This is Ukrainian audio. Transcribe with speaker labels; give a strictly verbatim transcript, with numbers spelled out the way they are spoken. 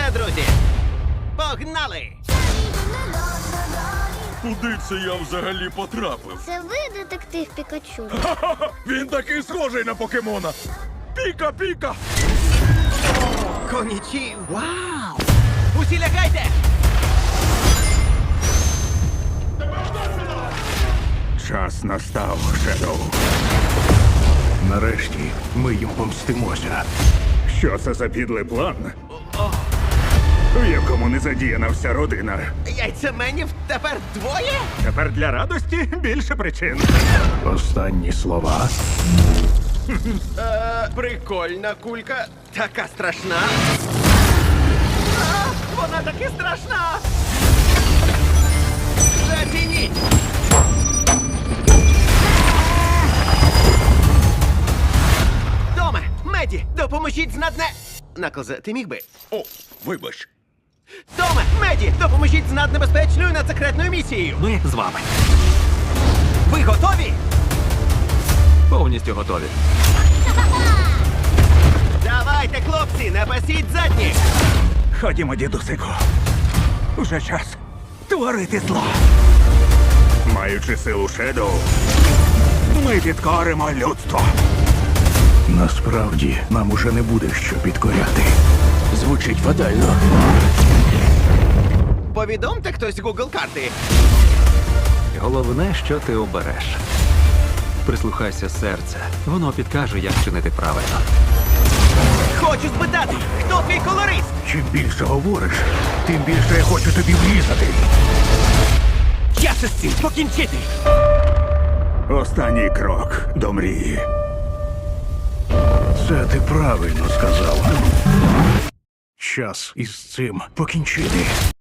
Speaker 1: Все, друзі, погнали!
Speaker 2: Куди це я взагалі потрапив?
Speaker 3: Це ви, детектив Пікачу?
Speaker 2: Ха-ха-ха! Він такий схожий на покемона. Піка-піка!
Speaker 1: Конічі, вау! Усі лягайте!
Speaker 2: Час настав, Шедоу. Нарешті ми їм помстимося. Що це за підлий план? У якому не задіяна вся родина.
Speaker 1: Яйцеменів тепер двоє?
Speaker 2: Тепер для радості більше причин. Останні слова.
Speaker 1: Е, прикольна кулька. Така страшна. А, вона таки страшна! Зацініть! Томе, Меді, допоможіть з надне... Наклзе, ти міг би?
Speaker 2: О, вибач.
Speaker 1: Томе, Меді, допоможіть з наднебезпечною надсекретною місією.
Speaker 4: Ми з вами.
Speaker 1: Ви готові?
Speaker 4: Повністю готові.
Speaker 1: Давайте, хлопці, не пасіть задні!
Speaker 2: Ходімо, дідусику. Уже час творити зло. Маючи силу Шедоу, ми підкоримо людство. Насправді, нам уже не буде що підкоряти.
Speaker 4: Звучить фатально.
Speaker 1: Повідомте хтось Google карти.
Speaker 4: Головне, що ти обереш. Прислухайся серця. Воно підкаже, як чинити правильно.
Speaker 1: Хочу спитати, хто твій колорист?
Speaker 2: Чим більше говориш, тим більше я хочу тобі врізати.
Speaker 1: Час із цим покінчити!
Speaker 2: Останній крок до мрії. Це ти правильно сказав. Час із цим покінчити.